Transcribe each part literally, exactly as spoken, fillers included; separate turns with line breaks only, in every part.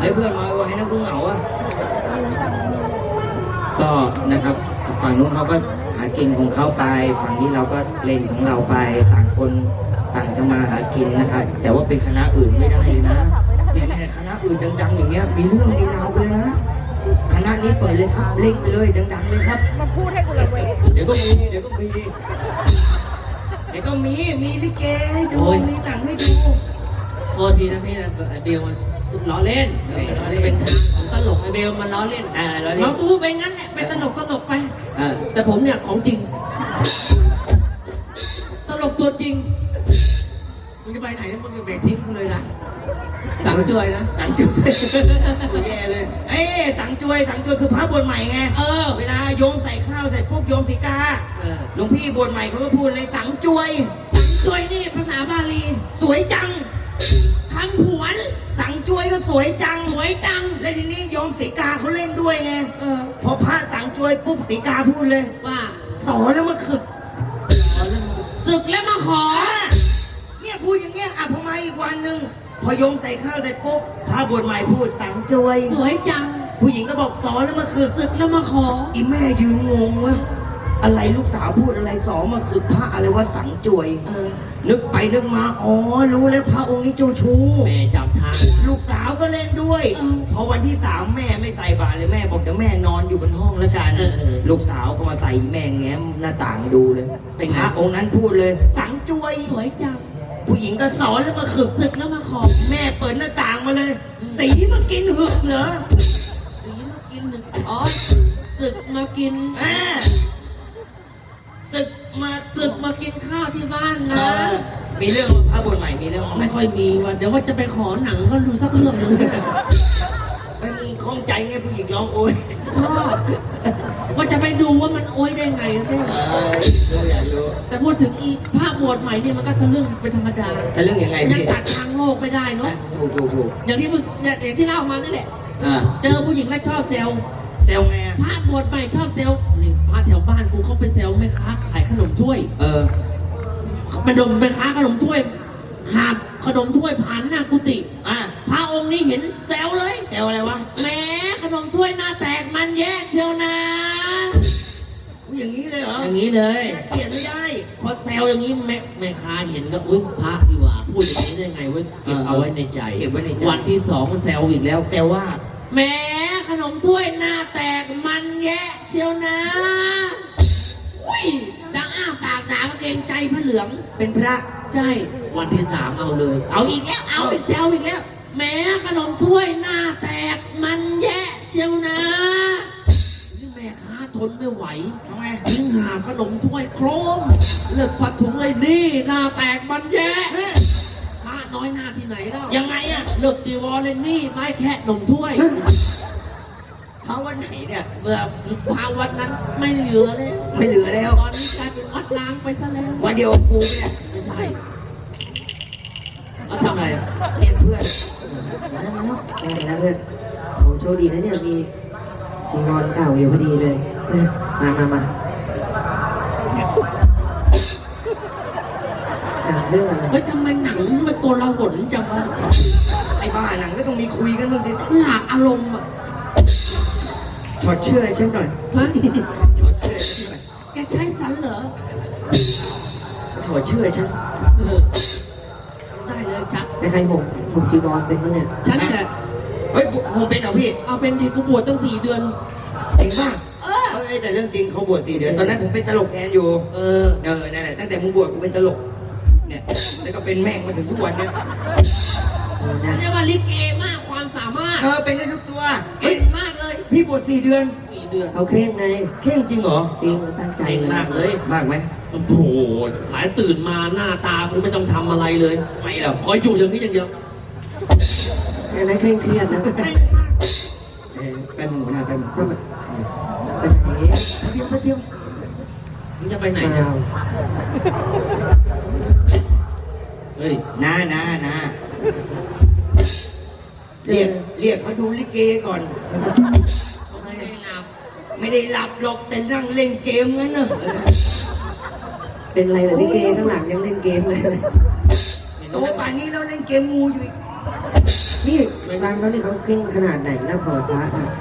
ฮ้ยเพื่อนมาไว้นะกูเหงาอ่ะก็นะครับฝั่งนู้นเขาก็หากินของเขาไปฝั่งนี้เราก็เล่นของเราไปต่างคนต่างจะมาหากินนะครับแต่ว่าเป็นคณะอื่นไม่ได้เลยนะเนี่ยคณะอื่นดังๆอย่างเงี้ยมีเรื่องมีราวไปเลยนะคณะนี้เปิดเลยครับเล่นไปเลยดังๆเลยครับ
มาพูดให้กูระเวง
เดี๋ยวก็มีเดี๋ยวก็มีเดี๋ยวก็มีมีลิเกให้ดูมีหนังให้ดู
โทษทีนะพี่นะเบลมันล้อเล่นเป็นของตลกไอเบลมันล้อเล่น
อ่าล้อเล่น
น้องกูเป็นงั้นแหละเป็นตลกตลกไป
อ่า
แต่ผมเนี่ยของจริงตลกตัวจริงมึงจะไปไหนเนี่ยมึงจะไปทิ้งกูเลยนะสั่งช่วยนะ
สั่งช่วยกูแย่เลยเอ้สั่งช่วยสั่งช่วยคือพระบวชใหม่ไง
เออ
เวลาโยมใส่ข้าวใส่ปุ๊บโยมสีกาหลวงพี่บวชใหม่เขาก็พูดเลยสั่งช่วย
สั่งช่วยนี่ภาษาบาลี
สวยจัง
คำผวน
สั่งช่วยก็สวยจัง
สวยจัง
แล้วทีนี้โยมสีกาเขาเล่นด้วยไง
เออ
พอพระสั่งช่วยปุ๊บสีกาพูดเลย
ว่า
สอนแล้วมาขึก
ศึกแล้วมาขอ
เนี่ยพูดอย่างเงี้ยอ่ะพอมาอีกวันหนึ่งพอโยมใส่ข้าวใส่ปุ๊บพระบวชใหม่พูดสั่งช่วย
สวยจัง
ผู้หญิงก็บอกสอนแล้วมาขึก
ศึกแล้วมาขอ
อีแม่ยืนงงวะอะไรลูกสาวพูดอะไรสอนมาขึกพระอะไรว่าสั่งช่วย
เออ
นึกไปนึกมาอ๋อรู้แล้วพระองค์นี้เจ้าชู้
แม่จำทาง
ลูกสาวก็เล่นด้วยพอวันที่สามแม่ไม่ใส่บาตรเลยแม่บอกเดี๋ยวแม่นอนอยู่บนห้องแล้วกันลูกสาวก็มาใส่แม่แง้มหน้าต่างดูเลยพระองค์นั้นพูดเลยสั่งช่วย
สวยจัง
ผู้หญิงก็สอนแล้วมาขึก
ศึกแล้วมาขอ
แม่เปิดหน้าต่างมาเลยสีมากินหึกเหรอ
สีมากินหึกอ๋อศึกมากิน
อ่าศึกมา
ศึกมากินข้าวที่บ้านนะ
มีเรื่องพระบวชใหม่มีเรื่อง
ไม่ค่อยมีว่ะเดี๋ยวว่าจะไปขอหนังก็รู้สักเรื่องนึง
มันคล่องใจไงผู้หญิงร้องโอย
ชอบว่าจะไปดูว่ามันโอยได้ไงเนี่ยแต่พูดถึงอีภาพบวชใหม่นี่มันก็ทะลึ่งเป็นธรรมดา
ทะลึ่งยังไง
ยังตัดทางโลกไม่ได้เนาะ
ถูกถูกถูก
อย่างที่มึงอย่างที่เล่ามานั่นแหละเจอผู้หญิงแล้วชอบเซล
เซลไง
ภาพบวชใหม่ชอบเซลนี่พาแถวบ้านกูเขาเป็นเซลแม่ค้าขายขนมถ้วย
เออ
เป็นดมแม่ค้าขนมถ้วยหาบขนมถ้วยผ่านหน้ากุฏิ
อ่ะ
พระองค์นี้เห็นแซวเลย
แซวอะไรวะ
แหมขนมถ้วยหน้าแตกมันแย่เชียวนะ
อย่างนี้เลยเหรอ
อย่างนี้เลย
เกลียดไม่ได้
พอแซวอย่างนี้แม่แม่ค้าเห็นก็อุ้ยพระดีกว่าพูดอย่างนี้ได้ไงเว้ยเก็บเอาไว้ในใจ
เก็บไว้ในใจ
วันที่สองมันแซวอีกแล้ว
แซวว่า
แหมขนมถ้วยหน้าแตกมันแย่เชียวนะอุ้ยดังอ้าปากด่าเกรงใจพระเหลือง
เป็นพระ
ใช่วันที่สามเอาเลยเอาอีกแล้วเอาอีกแซวอีกแล้วแหมขนมถ้วยหน้าแตกมันแย่เชียวนะนี่แม่ค้าทนไม่ไหว
ทำไม
ทิ้งหาขนมถ้วยโครมเลิกผัดถุงเลยนี่หน้าแตกมันแย่พระน้อยหน้าที่ไหนแล้ว
ยังไงอะ
เลิกจีวรเลยนี่ไม่แค่ขนมถ้วย
พระวันไหนเนี่ย
เมื่อพระวันนั้นไม่เหลือเลย
ไม่เหลือแล้ว
ตอนนี้กลายเป็นวัดล้างไปซะแล้ว
วันเดียวกูเนี่ย
ไม่ใช่เขาทำอะไร
เรียกเพื่อนมาแล้วมาแล้วมาแล้วเพื่อนโอ้โชคดีนะเนี่ยมีจีวรเก่าอยู่พอดีเลยมามามาหนังเรื่องอะไร
เฮ้ยทำไมหนังมันตัวเราหดจังวะ
ไอ้บ้าหนังก็ต้องมีคุยกันบ้างดิ
หลากอารมณ์อ่ะ
ถอดเชื่อให้ฉันหน่อย
ฮะ
ถอดเชื่อให้ฉันหน่อย
แกใช้สันเหรอ
ถอดเชื่อให้ฉัน
ได้เลยชัก
แต่ใครผมผมจีวรเป็นมั้งเนี่ย
ฉันแต่
เฮ้ยผมเป็นเหรอพี่
เอาเป็นดีกูบวชตั้งสี่เดือน
จริงป่ะเออเฮ้ยแต่เรื่องจริงเขาบวชสี่เดือนตอนนั้นผมเป็นตลกแทนอยู่เออเออนั่นแหละตั้งแต่มึงบวชกูเป็นตลกเนี่ยแล้วก็เป็นแม่งมาถึงทุกวันเนี่ย
เรียกว่าลิเกมากความสามารถ
เออเป็นได้ทุกตัว
เก่งมากเลย
พี่บวชสี่เดือน
สี่เดือน
เขาเคร่งไงเคร่งจริงเหรอจริงตั้งใจ
มากเลย
มากไหม
โอ้โหหลายตื่นมาหน้าตาคุณไม่ต้องทำอะไรเลยไม่หรอกคอยอยู่อย่างนี้อย่างเดียว
แค่ไหนเคร่งเครียดนะไปหมู่นะไปหมู่ไปไหนเดียวไปเดียว
มึงจะไปไหนเนี่ยเฮ้ย
น้าน้าน้าเรียกเรียกเขาดูลิเกก่อน
ไม่ได้หลับ
ไม่ได้หลับหรอกแต่นั่งเล่นเกมงั้นน่ะ
เป็นไรเหรอลิเกข้างหลังยังเล่นเกมเลย
โตป่านนี้เราเล่นเกมงูอยู่อีก
นี่แหม
ฟังเขาที่เขาเคร่งขนาดไหนนะพอพระอ่ะ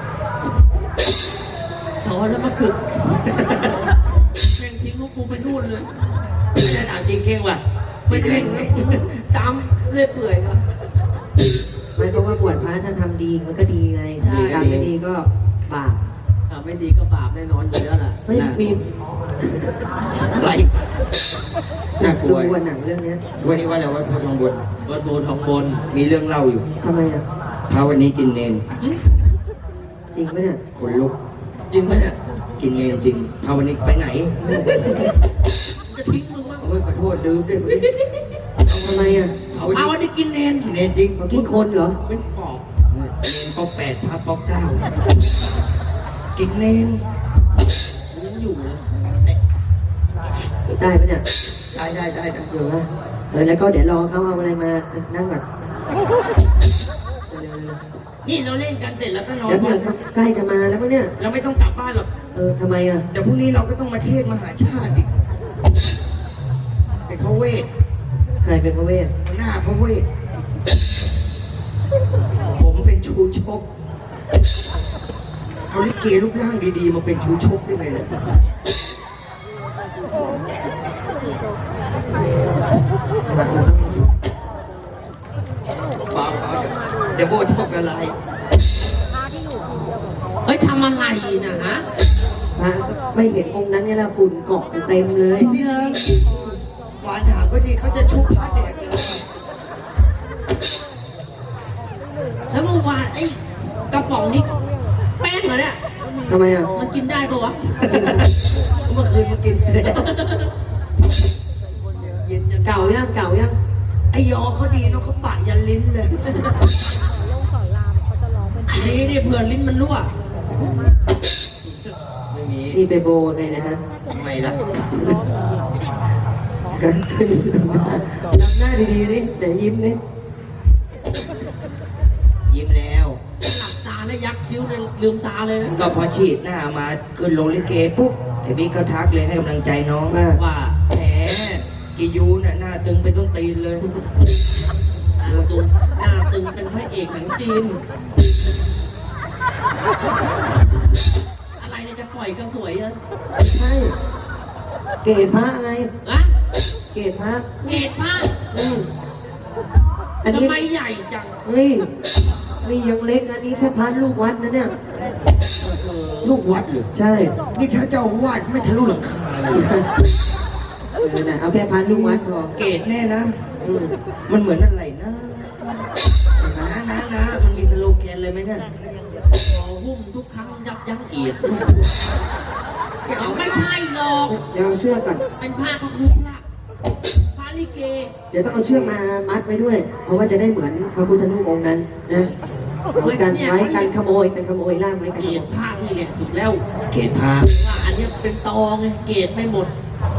สอนแล้วมาขึกแม่งทิ้งลูกกูไปนู่นเลย
ไม่ได้ถามจริงเก่งว่ะ
ไม่เข่งเลยตามเรื่อยเปื่อยมา
ไม่เพราะว่าบวชพระถ้าทำดีมันก็ดีไง
ใช่
ทำไม่ดีก็บาป
อ่ะไม่ดีก็บาปแน่นอนอยู่แล้วล่ะ
ไม่มี
อะไรน่ากลั
ดู
ว
วันหนังเรื่องเนี้ย
วันนี้ว่าอะไรว่าพระทองบน
วัดโบทองบน
มีเรื่องเล่าอยู่
ทำไมอ่ะ
พระวันนี้กินเนน
จริงไหมเนี่ย
ขนลุก
จริงไหมเนี่ย
กินเนนจริงพระวันนี้ไปไหน
จะทิ้งมึงมั้ง
โอ้ยขอโทษลืมด้วย
ทำไมอ่ะ
เอาวันนี้กินเนน
กินเนนจริง
เขากินคนเหรอ
เป็นปอบ
เนนก็แปดพระปอกเก้ากินเนน
ยังอยู่เลย
ได้ไหมเนี่ย
ได้ได้ได้ได้
เดี๋ยวนะเออแล้วก็เดี๋ยวรอเขาเอาอะไรมานั่งก่อน
นี่เราเล่นกันเสร็จแล้วก็นอน
เดี๋ยวเดี๋ยวใกล้จะมาแล้วมั้งเนี่ย
เราไม่ต้องกลับบ้านหรอก
เออทำไมอ่ะ
เดี๋ยวพรุ่งนี้เราก็ต้องมาเทศน์มหาชาติอีกเป็นพระเวท
ใครเป็นพระเวท
หน้าพระเวท ผมเป็นชูชก เอาลิเกรูปร่างดีๆ มาเป็นชูชกได้ไงเนี่ยเปล่าเปล่าเดี๋ยวเดี๋ยวโบชกอะไร
เฮ้ยทำอะไรนะฮะ
พระไม่เห็นองค์นั้นเนี่ยละฝุ่นเกาะเต็มเลย
พี่เอิงหวานถามก็ดีเขาจะชุบพระแดกเลย
แล้วเมื่อวานไอ้กระป๋องนี้แป้งเหรอเนี่ย
ทำไมอ่ะ
มันกินได้ปะวะ
เมื่อคืนมากินไปแล้วเย็นจัง
เก่ายังเก่ายัง
ไอยอเขาดีเนาะเขาปะยันลิ้นเลย
ดีดิเผื่อลิ้นมันรั่ว
ไม่มี
นี่ไปโบไงนะฮะ
ทำไมล่ะ
ทำหน้าดีๆดิเดี๋ยวยิ้มดิ
ยิ้มแล้ว
หลับตาแล้วยักคิ้วเลยลืมตาเลยนะ
ก็พอฉีดหน้ามาขึ้นลงลิเกปุ๊บไอบิ๊กก็ทักเลยให้กำลังใจน้อง
ว่า
ว่า
แหมกิยูน่ะหน้าตึงเป็นต้นตีนเลย
หน้าตึงหน้าตึงเป็นพระเอกหนังจีน อะไรเนี่ยจะปล่อยก็สวยเลย
ใช่ เกศพระไง
อะ
เกศพระ
เกตผ้า
อืมอันนี้
ทำไมใหญ่จัง
เฮ้ยนี่ยังเล็กอันนี้แค่พระลูกวัดนะเนี่ย
เออ
ลูกวัดเหรอ
ใช่
นี่ถ้าเจ้าอาวาดไม่ทะลุหลังคาเลย
เออนะเอาแค่พระลูกวัดพอ
เกตแน่นะ
อืม
มันเหมือนอะไรนะนะนะนะมันมีสโลแกนเลยไหมเนี่ย
ขอหุ้มทุกครั้งยับยั้งเอียดเดี๋ยวไม่ใช่หรอก
เดี๋ยวเอาเชือกก่อน
เป็นผ้าก็คือพระพระลิเก
เดี๋ยวต้องเอาเชือกมามัดไว้ด้วย เพราะว่าจะได้เหมือนพระพุทธรูปองค์นั้นนะเอากันไว้กันขโมยกันขโมยล่ามไว้กัน
เก
ขโม
ต
ย
ผ้านี่แหละถูกแล้ว
เกตพา
ว่าอันเนี้ยเป็นตองไงเกตไม่หมด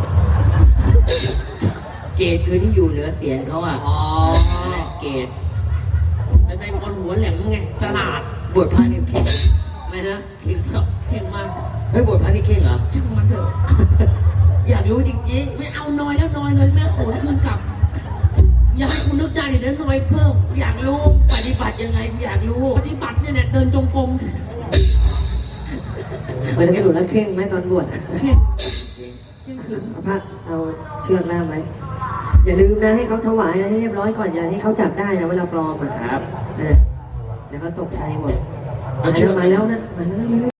เกตคือที่อยู่เหนือเสียนเขาอ่ะ
อ๋อ
เกต
เป็นเป็นคนหัวแหลมไงฉลาด
บวชพระนี่เข่ง
อะไรนะ
เข่งครับ
เข่งมาก
เฮ้ยบวชพระนี่เข่งเหรอ
ช่างมันเถอะ
อยากรู้จริง
ไม่เอาน้อยแล้วน้อยเลยแม่โขนคืนกลับ อย่าให้คุณนึกได้เดี๋ยวน้อยเพิ่ม
ๆ อยากรู้ปฏิบัติยังไงอยากรู้
ปฏิบัติเนี่ยเนี่ยเดินจงกรม
เออแล้วสรุปแล้วเคร่งไหมตอนบวช
เข่งเข่งขึ้น
เอาผ้าเอาเชือกล่ามไว้อย่าลืมนะให้เขาถวายอะไรให้เรียบร้อยก่อนอย่าให้เขาจับได้นะเวลาปลอมอ่ะ
ครับ
เออเดี๋ยวเขาตกใจหมดมาแล้วมาแล้วนะมาแล้ว